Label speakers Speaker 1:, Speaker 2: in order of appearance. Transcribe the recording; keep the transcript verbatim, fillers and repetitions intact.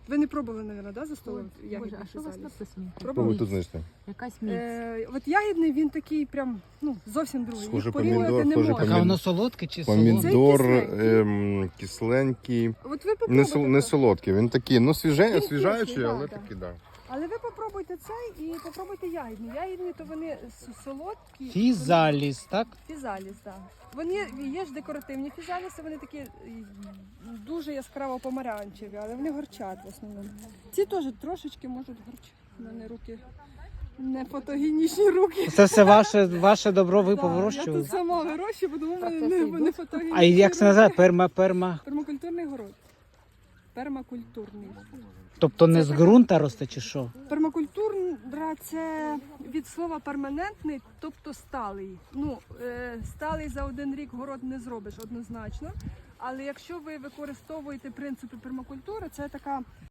Speaker 1: Ви не пробували, мабуть, да, за столом
Speaker 2: Боже,
Speaker 1: ягідний
Speaker 2: а що у вас
Speaker 1: фізаліс?
Speaker 2: тут сміття?
Speaker 3: Пробуй
Speaker 1: Пробували?
Speaker 3: тут знайшли.
Speaker 2: Якась міць.
Speaker 1: Е, от ягідний, він такий прям, ну, зовсім другий.
Speaker 3: Схоже
Speaker 1: Їх порівнювати
Speaker 3: помідор,
Speaker 1: не
Speaker 3: схоже
Speaker 1: можна.
Speaker 4: Так, а воно солодке чи солодке?
Speaker 3: Помідор
Speaker 1: кисленький.
Speaker 3: ем, кисленький.
Speaker 1: От ви
Speaker 3: Не,
Speaker 1: попробуйте.
Speaker 3: сол, не солодкий, він такий, ну свіже,
Speaker 1: Він
Speaker 3: освіжаючий,
Speaker 1: кислий, да,
Speaker 3: але
Speaker 1: да.
Speaker 3: такий, да.
Speaker 1: Але ви попробуйте цей і попробуйте ягідний. Ягідні, то вони с- солодкі.
Speaker 4: Фізаліс, так?
Speaker 1: Фізаліс, так. Вони є ж декоративні фізаліси, вони такі е, дуже яскраво помаранчеві, але вони горчать в основному. Ці теж трошечки можуть горчати. У мене руки не фотогенічні руки.
Speaker 4: Це все ваше, ваше добро ви
Speaker 1: Да,
Speaker 4: повирощували?
Speaker 1: Я тут сама вирощую, бо думаю, в мене
Speaker 2: Процеси
Speaker 1: не, не
Speaker 2: йдуть.
Speaker 1: фотогенічні
Speaker 4: А як це
Speaker 1: руки.
Speaker 4: називає? Перма, перма.
Speaker 1: Пермакультурний город. Пермакультурний.
Speaker 4: Тобто не
Speaker 1: Це
Speaker 4: з
Speaker 1: така-
Speaker 4: ґрунта росте чи що?
Speaker 1: Пермакультура – це від слова перманентний, тобто сталий. Ну, е, сталий за один рік город не зробиш однозначно. Але якщо ви використовуєте принципи пермакультури, це така